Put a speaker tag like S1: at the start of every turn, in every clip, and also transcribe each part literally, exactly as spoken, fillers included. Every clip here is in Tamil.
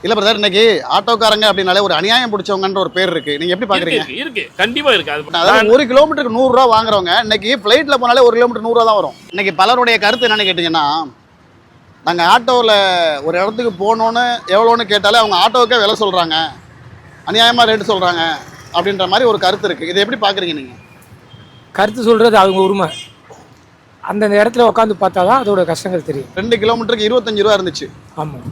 S1: இல்ல பிரதர், இன்னைக்கு ஆட்டோக்காரங்க அப்படினாலே ஒரு அநியாயம் பிடிச்சவங்கன்ற ஒரு பேர் இருக்கு. நீங்க எப்படி பாக்குறீங்க?
S2: இருக்கு இருக்கு கண்டிப்பா இருக்கு.
S1: அதாவது ஒரு கிலோமீட்டருக்கு நூறு ரூபா வாங்குறவங்க இன்னைக்கு பிளைட்ல போனாலே ஒரு கிலோமீட்டர் நூறு ரூபா தான் வரும். இன்னைக்கு பலருடைய கருத்து என்னன்னு கேட்டீங்கன்னா, நாங்க ஆட்டோவில் ஒரு இடத்துக்கு போகணுன்னு எவ்வளோன்னு கேட்டாலே அவங்க ஆட்டோவுக்கே விலை சொல்றாங்க, அநியாயமா ரேட்டு சொல்றாங்க அப்படின்ற மாதிரி ஒரு கருத்து இருக்கு. இதை எப்படி பாக்குறீங்க நீங்க?
S3: கருத்து சொல்றது அவங்க உரிமை. அந்தந்த இடத்துல உட்காந்து பார்த்தா தான் அதோட கஷ்டங்கள் தெரியும்.
S1: ரெண்டு கிலோமீட்டருக்கு இருபத்தஞ்சு ரூபா இருந்துச்சு.
S3: ஆமாம்,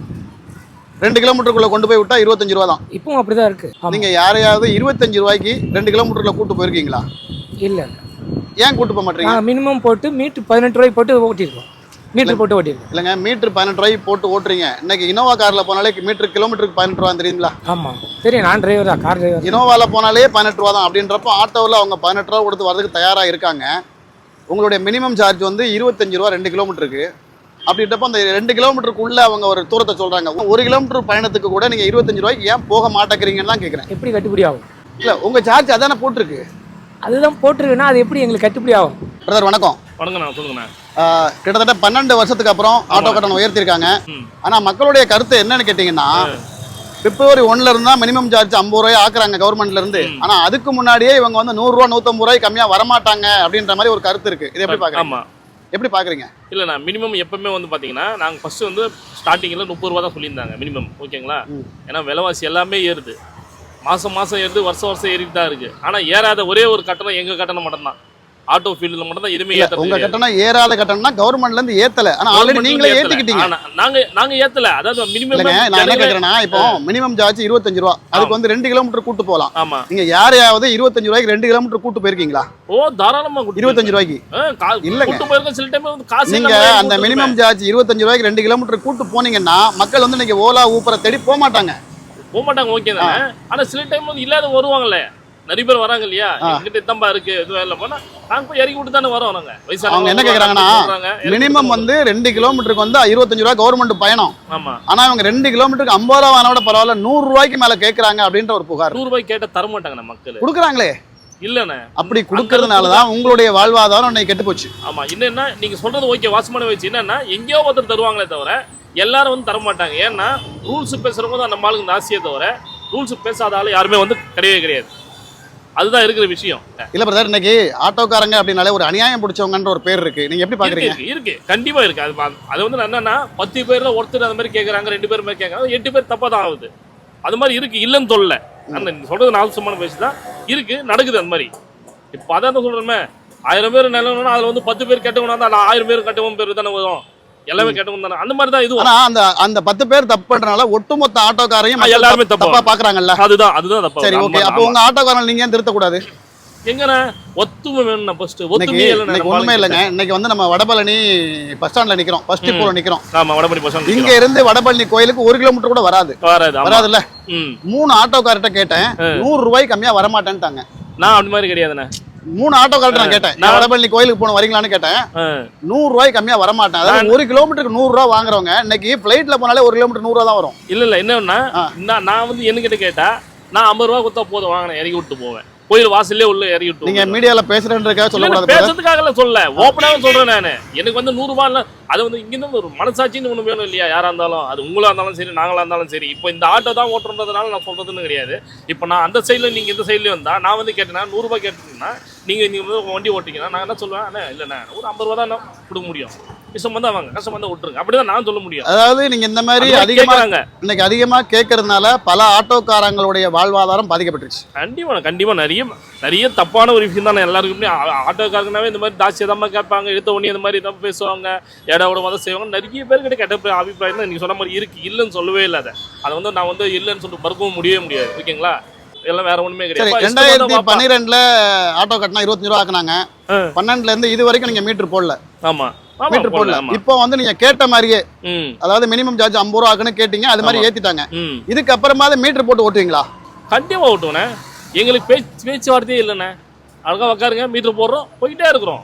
S1: ரெண்டு கிலோமீட்டருக்குள்ள கொண்டு போய் விட்டா இருபத்தஞ்சு ரூபா தான்.
S3: இப்பவும் அப்படிதான் இருக்கு.
S1: நீங்க யாரையாவது இருபத்தஞ்சு ரூபாய்க்கு ரெண்டு கிலோமீட்டருக்குள்ள கூட்டு போயிருக்கீங்களா?
S3: இல்லை,
S1: ஏன் கூட்டு போக மாட்டீங்க?
S3: நாங்கள் மினிமம் போட்டு மீட்டர் பதினெட்டு ரூபாய்க்கு போட்டு ஓட்டியிருக்கோம். மீட்டர் போட்டு ஓட்டியிருக்கோம்.
S1: இல்லைங்க, மீட்டர் பதினெட்டு ரூபாய்க்கு போட்டு ஓட்டுறீங்க. இன்னைக்கு இனோவா கார்ல போனாலே மீட்டர் கிலோமீட்டருக்கு பதினெட்டு ரூபா தெரியுங்களா?
S3: ஆமாம் தெரியும், நான் டிரைவர் தான், கார் டிரைவர்.
S1: இனோவால போனாலே பதினெட்டு ரூபா தான். அப்படின்றப்போ ஆட்டோவில் அவங்க பதினெட்டு ரூபா கொடுத்து வரதுக்கு தயாரா இருக்காங்க. உங்களுடைய மினிமம் சார்ஜ் வந்து இருபத்தஞ்சு ரூபா ரெண்டு கிலோமீட்டருக்கு. அப்படின்றப்ப அந்த ரெண்டு கிலோமீட்டருக்குள்ள அவங்க ஒரு தூரத்தை சொல்றாங்க. ஒரு கிலோமீட்டர் பயணத்துக்கு கூட நீங்க இருபத்தஞ்சு ரூபாய்க்கு ஏன் போக மாட்டேங்கிறீங்கன்னு தான் கேட்குறேன்.
S3: எப்படி கட்டுப்படி ஆகும்?
S1: இல்ல, உங்க சார்ஜ் அதானே போட்டிருக்கு.
S3: அதுதான் போட்டிருக்குன்னா அது எப்படி எங்களுக்கு கட்டுப்படி ஆகும்?
S1: பிரதர் வணக்கம்.
S2: வணக்கண்ணா, சொல்லுங்கண்ணா.
S1: கிட்டத்தட்ட பன்னெண்டு வருஷத்துக்கு அப்புறம் ஆட்டோ கட்டணம் உயர்த்திருக்காங்க. ஆனா மக்களுடைய கருத்து என்னன்னு கேட்டீங்கன்னா, பிப்ரவரி ஒன்னுல இருந்தா மினிமம் சார்ஜ் ஐம்பது ரூபாய் ஆக்குறாங்க கவர்மெண்ட்ல இருந்து. ஆனா அதுக்கு முன்னாடியே இவங்க வந்து நூறு ரூபா நூத்தம்பது ரூபாய் கம்மியா வரமாட்டாங்க அப்படின்ற மாதிரி ஒரு கருத்து இருக்கு. இது எப்படி பாக்குறீங்க? எப்படி பாக்குறீங்க?
S2: இல்லைண்ணா, மினிமம் எப்பவுமே வந்து பார்த்தீங்கன்னா, நாங்கள் ஃபர்ஸ்ட் வந்து ஸ்டார்டிங்கில் முப்பது ரூபா தான் சொல்லியிருந்தாங்க மினிமம். ஓகேங்களா? ஏன்னா விலைவாசி எல்லாமே ஏறுது, மாதம் மாதம் ஏறுது, வருஷம் வருஷம் ஏறிட்டு தான் இருக்குது. ஆனால் ஏறாத ஒரே ஒரு கட்டணம் எங்கள் கட்டணம் மட்டும்தான். ஆட்டோ ஃபீல்டில் மட்டும் தான் எதுவுமே ஏற்ற.
S1: உங்க கட்டணம் ஏறாத கட்டணம்னா கவர்மெண்ட்ல இருந்து ஏத்தல. ஆனா ஆல்ரெடி நீங்களே ஏத்திக்கிட்டீங்க.
S2: நாங்க நாங்க ஏத்தல. அதாவது மினிமம்
S1: நான் என்ன கேக்குறேன்னா, இப்போ மினிமம் சார்ஜ் இருபத்தஞ்சு ரூபா, அதுக்கு வந்து ரெண்டு கிலோமீட்டர் கூட்டு போகலாம்.
S2: ஆமா,
S1: நீங்க யாரையாவது இருபத்தஞ்சு ரூபாய்க்கு ரெண்டு கிலோமீட்டர் கூட்டு போயிருக்கீங்களா?
S2: ஓ தாராளமா
S1: இருபத்தஞ்சு ரூபாய்க்கு இல்லங்க.
S2: கூட்டு போயிருக்க சில டைம் வந்து காசு
S1: நீங்க அந்த மினிமம் சார்ஜ் இருபத்தஞ்சு ரூபாய்க்கு ரெண்டு கிலோமீட்டர் கூட்டு போனீங்கன்னா மக்கள் வந்து இன்னைக்கு ஓலா ஊப்பரை தேடி போக மாட்டாங்க.
S2: போக மாட்டாங்க, ஓகே தானே. ஆனா சில டைம் வந்து இல்லாத வருவாங்கல்ல, நிறைய பேர் வராங்க இல்லையா, எங்கிட்ட தம்பா இருக்கு எதுவும் இல்லை போனா நாங்க போய் இறக்கி விட்டு தானே வரோம். நாங்க
S1: அவங்க என்ன கேக்குறாங்கன்னா, மினிமம் வந்து ரெண்டு கிலோமீட்டருக்கு வந்து இருபத்தஞ்சு ரூபாய் கவர்மெண்ட் பயணம்.
S2: ஆமா, ஆனா
S1: அவங்க ரெண்டு கிலோமீட்டருக்கு ஐம்பது ரூபா வாங்கினோட பரவாயில்ல, நூறு ரூபாய்க்கு மேல கேட்கறாங்க அப்படின்ற ஒரு புகார்.
S2: நூறு ரூபாய் கேட்ட தர மாட்டாங்க மக்கள்.
S1: கொடுக்குறாங்களே
S2: இல்லண்ணே,
S1: அப்படி கொடுக்கறதுனாலதான் உங்களுடைய வாழ்வாதாரம் இன்னைக்கு கெட்டு போச்சு.
S2: ஆமா, என்னன்னா நீங்க சொல்றது ஓகே, வாசமான வச்சு என்னன்னா எங்கேயோ ஒருத்தர் தருவாங்களே தவிர எல்லாரும் வந்து தர மாட்டாங்க. ஏன்னா ரூல்ஸ் பேசுறவங்க தான் நம்ம ஆளுங்க ஆசையே தவிர ரூல்ஸ் பேசாத ஆளு யாருமே வந்து கிடையவே கிடையாது. அதுதான் இருக்கிற விஷயம்.
S1: இல்ல பிரதர், இன்னைக்கு ஆட்டோக்காரங்க அப்படினாலே ஒரு அநியாயம் பிடிச்சவங்கன்ற ஒரு பேர் இருக்கு. நீங்க எப்படி பாக்குறீங்க?
S2: இருக்கு, கண்டிப்பா இருக்கு. அது அது வந்து என்னன்னா பத்து பேர்ல ஒருத்தர் அந்த மாதிரி கேட்கறாங்க, ரெண்டு பேர் மாதிரி கேட்கறாங்க, எட்டு பேர் தப்பா தான் ஆகுது. அது மாதிரி இருக்கு, இல்லைன்னு சொல்லல. அந்த சொல்றது நாலு பேசுதான் இருக்கு, நடக்குது அந்த மாதிரி. இப்போ அதான் சொல்றேன், ஆயிரம் பேர் நிலவனா அதுல வந்து பத்து பேர் கெட்டவனா தான் ஆயிரம் பேர் கெட்டவன் பேர் தானே வரும், எல்லாமே கெட்டவன் தானே. அந்த மாதிரி தான் இது. ஆனா
S1: அந்த அந்த பத்து பேர் தப்பு பண்றனால ஒட்டுமொத்த ஆட்டோக்காரையும்
S2: எல்லாருமே தப்பா
S1: பாக்குறாங்கல்ல.
S2: அதுதான் அதுதான் தப்பு.
S1: சரி, ஓகே. அப்போ உங்க ஆட்டோக்காரங்க நீங்க ஏன் திருத்த கூடாது?
S2: எங்கண்ணா ஒத்துமை வேணும். ஃபர்ஸ்ட் ஒத்துமை
S1: இல்லைங்க, ஒண்ணுமே இல்லைங்க. இன்னைக்கு வந்து நம்ம வடபழனி பஸ் ஸ்டாண்ட்ல நிக்கிறோம், ஃபர்ஸ்ட் டிப்போல நிக்கிறோம்.
S2: ஆமா, வடபழனி பஸ் ஸ்டாண்ட்.
S1: இங்க இருந்து வடபழனி கோயிலுக்கு ஒரு கிலோமீட்டர் கூட வராது
S2: வராது
S1: வராதுல்ல. மூணு ஆட்டோக்கார்ட்ட கேட்டேன், நூறு ரூபாய் கம்மியா வர மாட்டேன்ட்டாங்க.
S2: நான் அப்படி மாதிரி கிடையாதுண்ணே.
S1: மூணு ஆட்டோக்கார்ட்ட நான் கேட்டேன், நான் வடபழனி கோயிலுக்கு போன வரீங்களான்னு கேட்டேன். நூறு ரூபாய் கம்மியா வர மாட்டேன். அதாவது ஒரு கிலோமீட்டருக்கு நூறு ரூபாய் வாங்குறவங்க இன்னைக்கு பிளைட்ல போனாலே ஒரு கிலோமீட்டர் நூறு ரூபா தான் வரும்.
S2: இல்ல இல்ல, என்னன்னா நான் வந்து என்ன கிட்ட கேட்டா நான் ஐம்பது ரூபா கொடுத்தா போதும் வாங்கினேன், இறக்கி விட்டு போவேன். கோயில் வாசல்லே உள்ள இறக்கி விட்டு.
S1: நீங்க மீடியால பேசுறேன்றதுக்காக சொல்லக்கூடாது.
S2: பேசுறதுக்காக சொல்ல, ஓப்பனாவே சொல்றேன் நானு. எனக்கு வந்து நூறு ரூபாய் இல்ல, அது வந்து இங்க இருந்து ஒரு மனசாட்சின்னு ஒண்ணு வேணும் இல்லையா? யாரா இருந்தாலும், அது உங்களா இருந்தாலும் சரி, நாங்களா இருந்தாலும் சரி. இப்போ இந்த ஆட்டோ தான் ஓட்டுறதுனால நான் சொல்றதுன்னு கிடையாது. இப்போ நான் அந்த சைட்ல நீங்க இந்த சைட்லயும் வந்தா நான் வந்து கேட்டேன்னா நூறு ரூபாய் கேட்டீங்கன்னா நீங்க நீங்க வந்து வண்டி ஓட்டிங்கன்னா நான் என்ன சொல்லுவேன், இல்லைண்ணா ஒரு ஐம்பது ரூபா தான் கொடுக்க முடியும், கஷ்டம் வந்தா வாங்க, கஷ்டம் வந்தா விட்டுருங்க, அப்படிதான் நான் சொல்ல முடியும்.
S1: அதாவது நீங்க இந்த மாதிரி அதிகமா இன்னைக்கு அதிகமா கேட்கறதுனால பல ஆட்டோக்காரங்களுடைய வாழ்வாதாரம் பாதிக்கப்பட்டுருச்சு.
S2: கண்டிப்பா கண்டிப்பா நிறைய நிறைய தப்பான ஒரு விஷயம் தான். எல்லாருக்குமே ஆட்டோக்காரங்கனாவே இந்த மாதிரி தாட்சி தான் கேட்பாங்க, எடுத்த உடனே இந்த மாதிரி தான் பேசுவாங்க, இடம் மதம் செய்வாங்க. நிறைய பேர் கிட்ட கெட்ட அபிப்பிராயம் தான் நீங்க சொன்ன மாதிரி இருக்கு. இல்லைன்னு சொல்லவே இல்லை. அதை அதை வந்து நான் வந்து இல்லைன்னு சொல்லிட்டு மறுக்கவும் முடியவே முடியாது. ஓகேங்களா? இதெல்லாம் வேற ஒண்ணுமே கிடையாது.
S1: ரெண்டாயிரத்தி பன்னிரெண்டுல ஆட்டோ கட்டினா இருபத்தஞ்சு ரூபா ஆக்குனாங்க. பன்னெண்டுல இருந்து இது வரைக்கும் நீங்க மீட்டர் போடல.
S2: ஆமா,
S1: மீட்டர் போடல. இப்போ வந்து நீங்க கேட்ட மாதிரியே, அதாவது மினிமம் சார்ஜ் ஐம்பது ரூபா ஆக்குன்னு கேட்டீங்க, அது மாதிரி ஏத்திட்டாங்க. இதுக்கு அப்புறமா மீட்டர் போட்டு ஓட்டுவீங்களா?
S2: கண்டிப்பா ஓட்டுவேண்ணே. எங்களுக்கு பேச்சு பேச்சுவார்த்தையே இல்லைண்ணே. அழகா உட்காருங்க, மீட்டர் போடுறோம், போயிட்டே இருக்கிறோம்.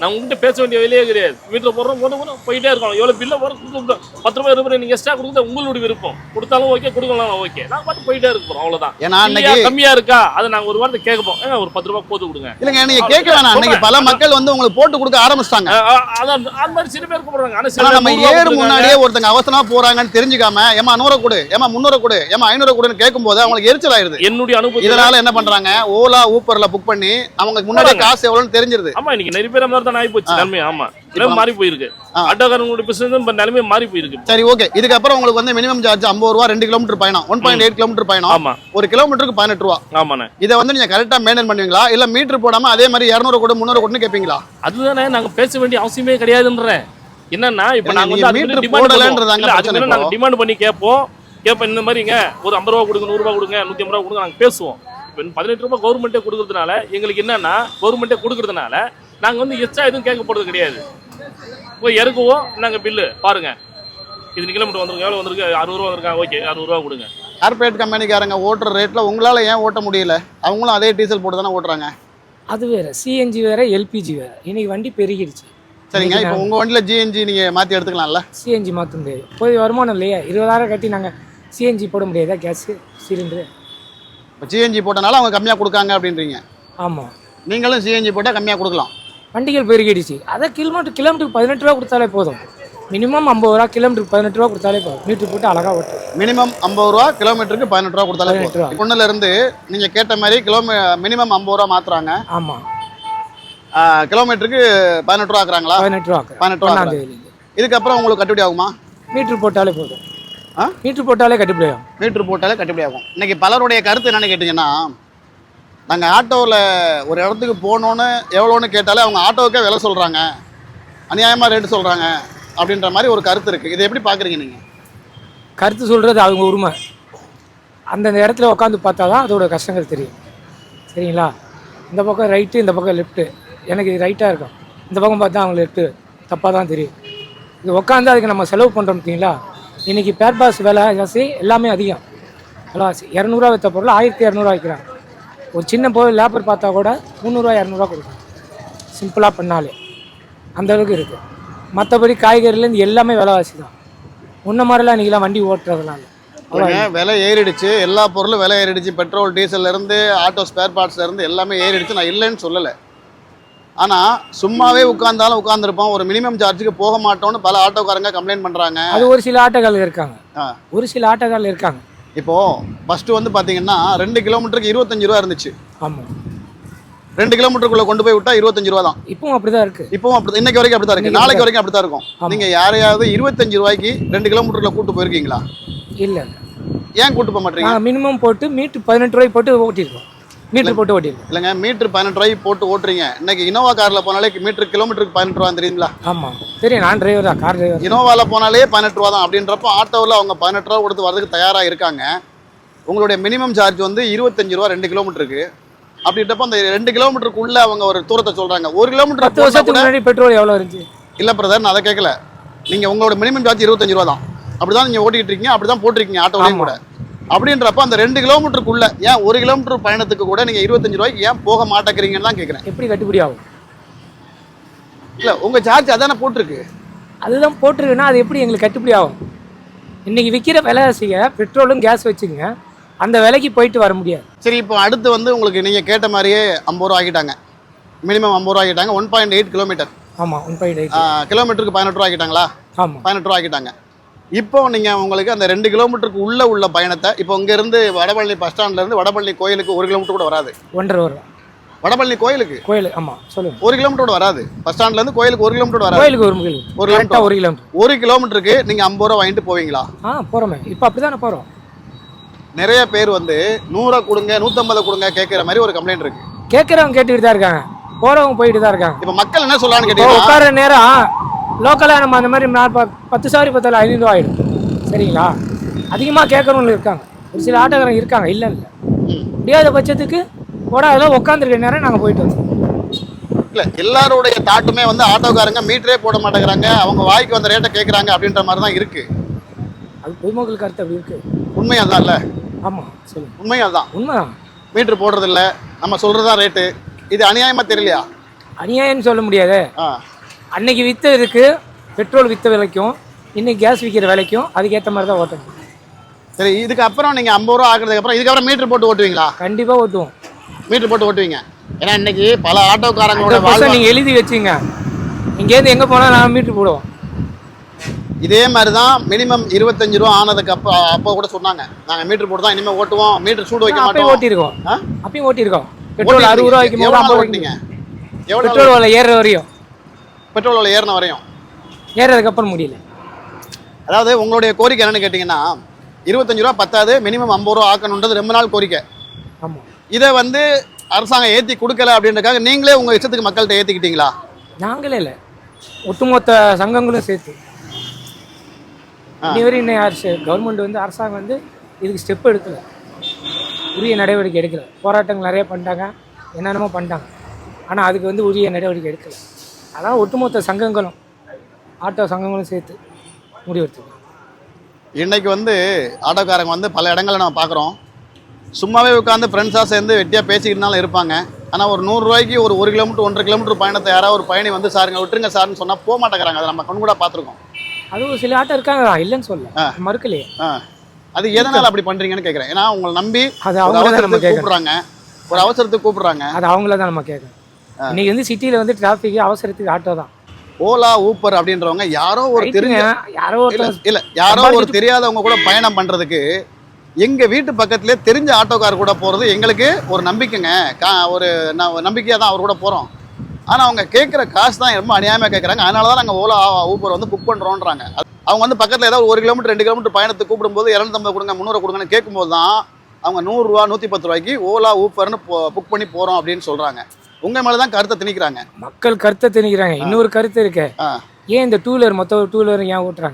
S2: நான் உங்ககிட்ட பேச வேண்டிய வேலையே கிடையாது. வீட்டில் போடுறோம் போது கூட போயிட்டே இருக்கணும். எவ்வளோ பில்லை போகிற கொடுத்து பத்து ரூபாய் இருபது நீங்கள் எக்ஸ்ட்ரா கொடுக்குறது உங்களுடைய விருப்பம். கொடுத்தாலும் ஓகே, கொடுக்கலாம் ஓகே. நான் பார்த்து போயிட்டே இருப்போம், அவ்வளோதான்.
S1: ஏன்னா
S2: கம்மியா இருக்கா அதை நாங்கள் ஒரு வாரத்தை கேட்போம், ஏங்க ஒரு பத்து ரூபாய் போட்டு கொடுங்க.
S1: இல்லைங்க, நீங்க கேட்க வேணாம். அன்னைக்கு பல மக்கள் வந்து உங்களுக்கு போட்டு கொடுக்க ஆரம்பிச்சிட்டாங்க.
S2: அதான் அந்த மாதிரி சில பேர் கூப்பிடுறாங்க.
S1: ஆனால் நம்ம ஏறு முன்னாடியே ஒருத்தங்க அவசரமா போறாங்கன்னு தெரிஞ்சுக்காம ஏமா நூறு கொடு, ஏமா முன்னூறு கொடு, ஏமா ஐநூறு கொடுன்னு கேட்கும் போது அவங்களுக்கு எரிச்சல் ஆயிருது.
S2: என்னுடைய அனுபவம்
S1: இதனால என்ன பண்றாங்க, ஓலா ஊப்பர்ல புக் பண்ணி அவங்க முன்னாடியே காசு எவ்வளவுன்னு தெரிஞ்சிருது.
S2: ஆமா, இன்னைக்கு நிறைய பேர் மாதிரி தான் ஆகி போச்சு நன்மை. ஆமா, மாறி போயிருக்கு. ஆட்டோக்காரங்களுடைய பிசினஸ் நிலைமை மாறி போயிருக்கு.
S1: சரி, ஓகே. இதுக்கப்புறம் உங்களுக்கு வந்து மினிமம் சார்ஜ் ஐம்பது ரூபா, ரெண்டு கிலோமீட்டர் பயணம், ஒன் பாயிண்ட் எயிட் கிலோமீட்டர் பயணம்.
S2: ஆமா,
S1: ஒரு கிலோமீட்டருக்கு பதினெட்டு ரூபா.
S2: ஆமாண்ணே.
S1: இதை வந்து நீங்க கரெக்டா மெயின்டைன் பண்ணுவீங்களா, இல்ல மீட்டர் போடாம அதே மாதிரி இருநூறு கூட முன்னூறு கூட கேட்பீங்களா?
S2: அதுதானே நாங்க பேச வேண்டிய அவசியமே கிடையாதுன்றேன். என்னன்னா இப்ப நாங்க வந்து
S1: மீட்டர் போடலன்றதாங்க பிரச்சனை.
S2: நாங்க டிமாண்ட் பண்ணி கேட்போம் கேட்போம் இந்த மாதிரிங்க ஒரு ஐம்பது ரூபா கொடுங்க, நூறு ரூபா கொடுங்க, நூத்தி ஐம்பது ரூபா கொடுங்க, நாங்க பேசுவோம். இப்போ பதினெட்டு ரூபாய் கவர்மெண்ட்டே கொடுக்கறதுனால எங்களுக்கு என்னன்னா, கவர்மெண்ட்டே கொடுக்கறதுனால நாங்க வந்து எக்ஸ்ட்ரா எதுவும் கேட்க போறது கிடையாது. போய் இறக்குவோம், நாங்க பில்லு பாருங்க, இது கிலோமீட்டர் வந்துருக்கு, எவ்வளவு வந்திருக்கு, அறுபது ரூபா வந்திருக்காங்க, ஓகே அறுபது ரூபா கொடுங்க.
S1: கார்பரேட் கம்பெனிக்காரங்க ஓட்டுற ரேட்ல உங்களால ஏன் ஓட்ட முடியல? அவங்களும் அதே டீசல் போட்டு தானே ஓட்டுறாங்க.
S3: அது வேற, சிஎன்ஜி வேற, எல்பிஜி வேற. இன்னைக்கு வண்டி பெருகிடுச்சு.
S1: சரிங்க, இப்போ உங்க வண்டியில ஜிஎன்ஜி நீங்க மாத்தி எடுத்துக்கலாம்ல?
S3: சிஎன்ஜி மாற்ற முடியாது, போய் வருமானம் இல்லையா? இருபதாயிரம் கட்டி நாங்கள் சிஎன்ஜி போட முடியாதா? கேஸு சிலிண்டரு
S1: இப்போ ஜிஎன்ஜி போட்டனால அவங்க கம்மியாக கொடுக்காங்க அப்படின்றீங்க.
S3: ஆமாம்,
S1: நீங்களும் சிஎன்ஜி போட்டால் கம்மியாக கொடுக்கலாம்.
S3: வண்டிகள் பெருகிடுச்சு. அதை கிலோமீட்டர் கிலோமீட்டருக்கு பதினெட்டு ரூபா கொடுத்தாலே போதும். மினிமம் ஐம்பது ரூபா, கிலோமீட்டருக்கு பதினெட்டு ரூபா கொடுத்தாலே போதும். மீட்டர் போட்டு அழகாக ஓட்டும்.
S1: மினிமம் ஐம்பது ரூபா, கிலோமீட்டருக்கு பதினெட்டு ரூபா கொடுத்தாலே போதும். பொண்ணுல இருந்து நீங்கள் கேட்ட மாதிரி கிலோமீ மினிமம் ஐம்பது ரூபா மாற்றுறாங்க.
S3: ஆமாம்,
S1: கிலோமீட்டருக்கு பதினெட்டு ரூபா ஆக்குறாங்களா?
S3: பதினெட்டு ரூபா
S1: பதினெட்டு ரூபா. இதுக்கப்புறம் உங்களுக்கு கட்டுப்படி ஆகுமா?
S3: மீட்டர் போட்டாலே போதும். ஆ மீட்டர் போட்டாலே கட்டுப்படி ஆகும்.
S1: மீட்டர் போட்டாலே கட்டுப்படி ஆகும். இன்னைக்கு பலருடைய கருத்து என்னன்னு கேட்டிங்கன்னா, நாங்கள் ஆட்டோவில் ஒரு இடத்துக்கு போகணுன்னு எவ்வளோன்னு கேட்டாலே அவங்க ஆட்டோவுக்கே விலை சொல்கிறாங்க, அநியாயமாக ரேட்டு சொல்கிறாங்க அப்படின்ற மாதிரி ஒரு கருத்து இருக்குது. இதை எப்படி பார்க்குறீங்க நீங்கள்?
S3: கருத்து சொல்கிறது அவங்க உரிமை. அந்தந்த இடத்துல உட்காந்து பார்த்தா தான் அதோட கஷ்டங்கள் தெரியும். சரிங்களா? இந்த பக்கம் ரைட்டு, இந்த பக்கம் லெஃப்ட்டு. எனக்கு இது ரைட்டாக இருக்கும், இந்த பக்கம் பார்த்தா அவங்க லெஃப்ட்டு, தப்பாக தான் தெரியும். இது உட்காந்து அதுக்கு நம்ம செலவு பண்ணுறோம் பார்த்தீங்களா? இன்றைக்கி பேர் பாஸ் விலை ஜாஸ்தி, எல்லாமே அதிகம். விலைவாசி இரநூறுவா விற்ற பொருள் ஆயிரத்தி இரநூறுவா விற்கிறாங்க. ஒரு சின்ன பொருள் லேபர் பார்த்தா கூட முந்நூறுரூவா இரநூறுவா கொடுக்கும். சிம்பிளாக பண்ணாலே அந்தளவுக்கு இருக்குது. மற்றபடி காய்கறிலேருந்து எல்லாமே விலைவாசி தான். முன்ன மாதிரிலாம் இன்றைக்கெலாம் வண்டி ஓட்டுறதுனால
S1: விலை ஏறிடுச்சு. எல்லா பொருளும் விலை ஏறிடுச்சு. பெட்ரோல், டீசல்லேருந்து ஆட்டோ ஸ்பேர் பார்ட்ஸ்லேருந்து எல்லாமே ஏறிடுச்சு. நான் இல்லைன்னு சொல்லலை. ஆனால் சும்மாவே உட்கார்ந்தாலும் உட்காந்துருப்போம், ஒரு மினிமம் சார்ஜுக்கு போக மாட்டோம்னு பல ஆட்டோக்காரங்க கம்ப்ளைண்ட் பண்ணுறாங்க.
S3: அது ஒரு சில ஆட்டோக்காரர்கள் இருக்காங்க. ஒரு சில ஆட்டோக்காரர்கள் இருக்காங்க. இப்போது
S1: ஃபஸ்ட்டு வந்து பார்த்தீங்கன்னா ரெண்டு கிலோமீட்டருக்கு இருபத்தஞ்சு ரூபா இருந்துச்சு.
S3: ஆமாம்,
S1: ரெண்டு கிலோமீட்டருக்குள்ளே கொண்டு போய் விட்டா இருபத்தஞ்சு ரூபா தான்.
S3: இப்பவும் அப்படி தான் இருக்குது.
S1: இப்பவும் அப்படி, இன்னைக்கு வரைக்கும் அப்படி தான் இருக்குது, நாளைக்கு வரைக்கும் அப்படி தான் இருக்கும். நீங்கள் யாரையாவது இருபத்தஞ்சு ரூபாய்க்கு ரெண்டு கிலோமீட்டருக்குள்ள கூட்டு போயிருக்கீங்களா?
S3: இல்லை.
S1: ஏன் கூட்டு போக மாட்டீங்க?
S3: மினிமம் போட்டு மீட்டர் பதினெட்டு ரூபாய் போட்டு ஓட்டியிருக்கோம். மீட்டர் போட்டு ஓட்டிருக்கோம்.
S1: இல்லைங்க, மீட்டர் பதினெட்டு ரூபாய்க்கு போட்டு ஓட்டுறீங்க. இன்னைக்கு இனோவா காரில் போனாலே மீட்டர் கிலோமீட்டருக்கு பதினெட்டு ரூபா தெரியுங்களா?
S3: ஆமாம் தெரியும், நான் டிரைவர் தான், கார் டிரைவர்.
S1: இனோவாவில் போனாலே பதினெட்டு ரூபா தான். அப்படின்றப்போ ஆட்டோவில் அவங்க பதினெட்டு ரூபா கொடுத்து வரதுக்கு தயாராக இருக்காங்க. உங்களுடைய மினிமம் சார்ஜ் வந்து இருபத்தஞ்சு ரூபா ரெண்டு கிலோமீட்டருக்கு. அப்படின்றப்போ அந்த ரெண்டு கிலோமீட்டருக்குள்ள அவங்க ஒரு தூரத்தை சொல்றாங்க. ஒரு கிலோமீட்டர்
S3: பத்து வருஷத்துக்கு முன்னாடி பெட்ரோல் எவ்வளோ இருந்துச்சு?
S1: இல்லை பிரதர், நான் அதை கேட்கல. நீங்கள் உங்களோட மினிமம் சார்ஜ் இருபத்தஞ்சு ரூபா தான். அப்படி தான் நீங்கள் ஓட்டிகிட்டு இருக்கீங்க, அப்படி தான் போட்டிருக்கீங்க ஆட்டோலையும் கூட. அப்படின்றப்ப அந்த ரெண்டு கிலோமீட்டருக்குள்ள ஏன் ஒரு கிலோமீட்டர் பயணத்துக்கு கூட நீங்கள் இருபத்தஞ்சு ரூபாய்க்கு ஏன் போக மாட்டேங்கிறீங்கன்னு தான் கேட்குறேன்.
S3: எப்படி கட்டுப்படி ஆகும்?
S1: இல்லை, உங்கள் சார்ஜ் அதானே போட்டிருக்கு.
S3: அதுதான் போட்டிருக்குன்னா அது எப்படி எங்களுக்கு கட்டுப்படி ஆகும்? இன்றைக்கி விற்கிற விலைவாசியை பெட்ரோலும் கேஸ் வச்சுங்க, அந்த விலைக்கு போயிட்டு வர முடியாது.
S1: சரி, இப்போ அடுத்து வந்து உங்களுக்கு நீங்கள் கேட்ட மாதிரியே ஐம்பது ரூபா ஆகிட்டாங்க. மினிமம் ஐம்பது ரூபா ஆகிட்டாங்க. One point eight kilometre.
S3: ஆமாம், ஒன் பாயிண்ட் எயிட்
S1: கிலோமீட்டருக்கு பதினெட்டு ரூபா ஆகிட்டாங்களா?
S3: ஆமாம்,
S1: பதினெட்டு ரூபா ஆகிட்டாங்க. இப்போ நீங்கள் உங்களுக்கு அந்த ரெண்டு கிலோமீட்டருக்கு உள்ளே உள்ள பயணத்தை, இப்போ இங்கேருந்து வடபழனி பஸ் ஸ்டாண்ட்லேருந்து வடபழனி கோயிலுக்கு ஒரு கிலோமீட்டர் கூட வராது.
S3: ஒன்றரை வரும்
S1: வடபழனி கோயிலுக்கு.
S3: கோயில் ஆமாம் சொல்லுங்கள்.
S1: ஒரு கிலோமீட்டர் கூட வராது. பஸ் ஸ்டாண்ட்லேருந்து கோயிலுக்கு ஒரு கிலோமீட்டர் வராது.
S3: கோயிலுக்கு ஒரு கிலோமீட்டர் ஒரு கிலோமீட்டர் ஒரு கிலோமீட்டர்
S1: ஒரு கிலோமீட்டருக்கு நீங்கள் ஐம்பது ரூபா வாங்கிட்டு போவீங்களா?
S3: ஆ போகிறோமே, இப்போ அப்படி தானே போகிறோம்.
S1: நிறைய பேர் வந்து நூறை கொடுங்க, நூற்றம்பதை கொடுங்க கேட்குற மாதிரி ஒரு கம்ப்ளைண்ட் இருக்கு.
S3: கேட்குறவங்க கேட்டுக்கிட்டு தான் இருக்காங்க, போகிறவங்க போயிட்டு தான் இருக்காங்க.
S1: இப்போ மக்கள் என்ன சொல்லலான்னு கேட்டீங்கன்னா,
S3: உட்கார நேரம் லோக்கலாக நம்ம அந்த மாதிரி பத்து சாரி பத்தாயிரம் ஐநூறுரூவா ஆகிடும். சரிங்களா? அதிகமாக கேட்குறவங்க இருக்காங்க, ஒரு சில ஆட்டோக்காரங்க இருக்காங்க. இல்லை இல்லை முடியாத பட்சத்துக்கு போட அதெல்லாம் உட்காந்துருக்க நேரம் நாங்கள் போயிட்டு வந்தோம்.
S1: இல்லை, எல்லாருடைய தாட்டுமே வந்து ஆட்டோக்காரங்க மீட்டரே போட மாட்டேங்கிறாங்க, அவங்க வாய்க்கு வந்த ரேட்டை கேட்குறாங்க அப்படின்ற மாதிரி தான் இருக்குது.
S3: அது பொதுமக்கள் கருத்து அப்படி இருக்குது.
S1: உண்மை அதுதான் இல்லை?
S3: ஆமாம் சொல்லுங்கள்.
S1: உண்மை அதுதான்.
S3: உண்மைதான்.
S1: மீட்ரு போடுறதில்ல, நம்ம சொல்கிறது தான் ரேட்டு. இது அநியாயமாக தெரியலையா?
S3: அநியாயம்னு சொல்ல முடியாது.
S1: ஆ
S3: அன்னைக்கு விற்றதுக்கு பெட்ரோல் விற்ற விலைக்கும் இன்னைக்கு கேஸ் விற்கிற விலைக்கும் அதுக்கேற்ற மாதிரி தான் ஓட்டணும்.
S1: சரி, இதுக்கு அப்புறம் நீங்கள் ஐம்பது ரூபா ஆக்குறதுக்கு அப்புறம் இதுக்கப்புறம் மீட்டர் போட்டு ஓட்டுவீங்களா?
S3: கண்டிப்பாக ஓட்டுவோம்.
S1: மீட்டர் போட்டு ஓட்டுவீங்க. ஏன்னா இன்னைக்கு பல ஆட்டோக்காரங்களோட
S3: ஹண்ட்ரட் பர்சன்ட் நீங்கள் எழுதி வச்சுங்க. இங்கேருந்து எங்கே போனால் நான் மீட்ரு போடுவோம்.
S1: இதே மாதிரி தான் மினிமம் இருபத்தஞ்சு ரூபா ஆனதுக்கு அப்போ அப்போ கூட சொன்னாங்க, நாங்கள் மீட்டர் போட்டு தான் இனிமேல் ஓட்டுவோம், மீட்டர் சூடு வைக்க
S3: அப்பயும்
S1: மாட்டோம்.
S3: ஓட்டியிருக்கோம்.
S1: ஆ?
S3: அப்பயும் ஓட்டியிருக்கோம். பெட்ரோல் அறுபது ரூபா வைக்கும் போது
S1: எவ்வளோ
S3: ஐம்பது
S1: ஓட்டினீங்க?
S3: ரூபாய்க்கு
S1: எவ்வளோ
S3: பெட்ரோல் விலை ஏறுற வரையும்,
S1: பெட்ரோல் விலை ஏறின வரையும்
S3: ஏறதுக்கப்புறம் முடியல.
S1: அதாவது உங்களுடைய கோரிக்கை என்னன்னு கேட்டிங்கன்னா, இருபத்தஞ்சு ரூபா பத்தாது, மினிமம் ஐம்பது ரூபா ஆக்கணுன்றது ரொம்ப நாள் கோரிக்கை.
S3: ஆமாம்.
S1: இதை வந்து அரசாங்கம் ஏற்றி கொடுக்கல அப்படின்றக்காக நீங்களே உங்கள் இஷ்டத்துக்கு மக்கள்கிட்ட ஏற்றிக்கிட்டீங்களா?
S3: நாங்களே இல்லை, ஒட்டுமொத்த சங்கங்களும் சேர்த்து. இதுவரை இன்னும் யார் கவர்மெண்ட் வந்து அரசாங்கம் வந்து இதுக்கு ஸ்டெப் எடுக்கல, உரிய நடவடிக்கை எடுக்கல. போராட்டங்கள் நிறைய பண்ணிட்டாங்க, என்னென்னமோ பண்ணிட்டாங்க, ஆனால் அதுக்கு வந்து உரிய நடவடிக்கை எடுக்கலை. அதான் ஒட்டுமொத்த சங்கங்களும் ஆட்டோ சங்கங்களும் சேர்த்து முடிவெடுத்துக்கணும்.
S1: இன்னைக்கு வந்து ஆட்டோக்காரங்க வந்து பல இடங்களில் நம்ம பார்க்குறோம், சும்மாவே உட்காந்து ஃப்ரெண்ட்ஸாக சேர்ந்து வெட்டியாக பேசிக்கிட்டுனாலும் இருப்பாங்க. ஆனால் ஒரு நூறுரூவாய்க்கு ஒரு ஒரு கிலோமீட்டர் ஒன்றரை கிலோமீட்டர் பயணத்தை யாராவது ஒரு பயணி வந்து சாருங்க விட்டுருங்க சார்னு சொன்னால் போக மாட்டேங்கிறாங்க. அதை நம்ம கண் கூட பார்த்துருக்கோம்.
S3: அதுவும் சில ஆட்டோ இருக்காங்க, இல்லைன்னு சொல்ல மறுக்கலையே.
S1: ஆ, அது எதனால் அப்படி பண்ணுறீங்கன்னு கேட்குறேன். ஏன்னா உங்களை நம்பி
S3: அது
S1: ஒரு
S3: அவங்கள தான் நம்ம
S1: அவசரத்துக்கு
S3: கேட்கணும்.
S1: கூப்பிட்றாங்க, ஒரு அவசரத்துக்கு கூப்பிட்றாங்க.
S3: அது அவங்கள தான் நம்ம கேட்கணும். இன்னைக்கு வந்து சிட்டியில் வந்து டிராஃபிக் அவசரத்துக்கு ஆட்டோ தான்.
S1: ஓலா ஊப்பர் அப்படின்றவங்க யாரோ ஒரு தெரிஞ்ச
S3: யாரோ
S1: இல்ல
S3: ஒருத்தர்
S1: இல்ல யாரோ ஒரு தெரியாதவங்க கூட பயணம் பண்றதுக்கு எங்க வீட்டு பக்கத்திலே தெரிஞ்ச ஆட்டோக்கார் கூட போறது எங்களுக்கு ஒரு நம்பிக்கைங்க. கா- ஒரு ந- நம்பிக்கையா தான் அவர் கூட போறோம். ஆனா அவங்க கேட்குற காசு தான் ரொம்ப அநியாயமா கேட்குறாங்க. அதனால தான் நாங்கள் ஓலா ஊப்பர் வந்து புக் பண்றோன்றாங்க. அது- அவங்க வந்து பக்கத்துல ஏதாவது ஒரு கிலோமீட்டர் ரெண்டு கிலோமீட்டர் பயணத்துக்கு கூப்பிடும்போது இரநூத்தம்பது கொடுங்க முந்நூறு கொடுங்கன்னு கேட்கும்போது தான் அவங்க நூறுரூவா நூற்றி பத்து ரூபாய்க்கு ஓலா ஊப்பர்னு புக் பண்ணி போறோம் அப்படின்னு சொல்றாங்க. உங்க மேல தான் கருத்தை திணிக்கிறாங்க.
S3: மக்கள் கருத்தை திணிக்கிறாங்க. இன்னொரு கருத்து இருக்கு,
S1: ஆ.
S3: ஏன் இந்த டூ வீலர் மொத்த டூ வீலர் ஏன் ஓட்டுறாங்க?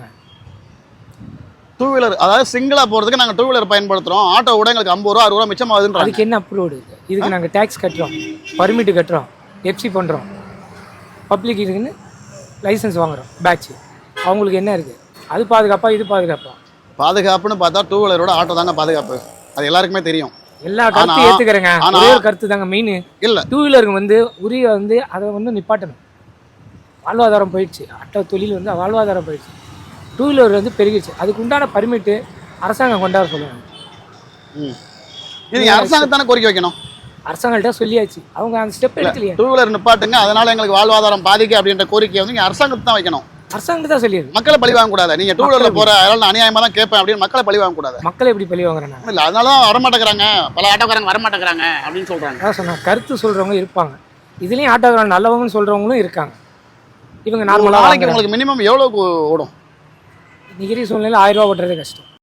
S1: டூ வீலர் அதாவது சிங்கிளா போறதுக்கு நாங்க டூ வீலர் பயன்படுத்துறோம், ஆட்டோ கூட எங்களுக்கு ஐம்பது ரூபா அறுபது ரூபா மிச்சமாகுதுன்றாங்க.
S3: அதுக்கு என்ன அப்ரூவ்டு இருக்கு? இதுக்கு நாங்கள் டேக்ஸ் கட்டுறோம், பர்மிட் கட்டுறோம், எஃப்சி பண்ணுறோம், பப்ளிக் இருக்குன்னு லைசன்ஸ் வாங்குறோம், பேட்ச். அவங்களுக்கு என்ன இருக்குது? அது பாதுகாப்பா இது பாதுகாப்பா?
S1: பாதுகாப்புன்னு பார்த்தா டூ வீலரோட ஆட்டோ தாங்க பாதுகாப்பு. அது எல்லாருக்குமே தெரியும்.
S3: எல்லா கருத்து ஏற்றுக்கிறேங்க.
S1: ஆனா-
S3: ஒரே ஒரு கருத்து தாங்க மெயின்.
S1: இல்ல
S3: டூ வீலருக்கு வந்து உரிய வந்து அதை வந்து நிப்பாட்டணும். வாழ்வாதாரம் போயிடுச்சு, ஆட்டோ தொழில் வந்து வாழ்வாதாரம் போயிடுச்சு. டூ வீலர் வந்து பெருகிடுச்சு, அதுக்கு உண்டான பர்மிட்டு அரசாங்கம் கொண்டாட சொல்லுவாங்க.
S1: ம். இது நீங்க அரசாங்கத்தானே கோரிக்கை வைக்கணும்.
S3: அரசாங்கள்ட்ட சொல்லியாச்சு, அவங்க அந்த ஸ்டெப் எடுக்கலையே.
S1: டூ வீலர் நிப்பாட்டுங்க, அதனால எங்களுக்கு வாழ்வாதாரம் பாதிக்க அப்படின்ற கோரிக்கையை வந்து நீங்க அரசாங்கத்தை தான் வைக்கணும்.
S3: அரசாங்கம் தான் சொல்லியிருக்கு.
S1: மக்களை பழி வாங்க கூடாது. நீங்க டூ வீலர்ல போற அதனால நான் அநியாயமா தான் கேட்பேன் அப்படின்னு மக்களை பழி வாங்க கூடாது.
S3: மக்களை எப்படி பழி வாங்குறாங்க?
S1: இல்ல அதனால தான் வரமாட்டேங்கிறாங்க, பல ஆட்டோக்காரங்க வரமாட்டேங்கிறாங்க அப்படின்னு சொல்றாங்க.
S3: அதான் சொன்னா கருத்து சொல்றவங்க இருப்பாங்க, இதுலயும் ஆட்டோக்காரன் நல்லவங்கன்னு சொல்றவங்களும் இருக்காங்க. இவங்க
S1: ஒரு
S3: நார்மலாக
S1: நாளைக்கு உங்களுக்கு மினிமம் எவ்வளவு ஓடும்?
S3: நிகிரி சூழ்நிலை ஆயிரம் ரூபா ஓட்டுறதே கஷ்டம்.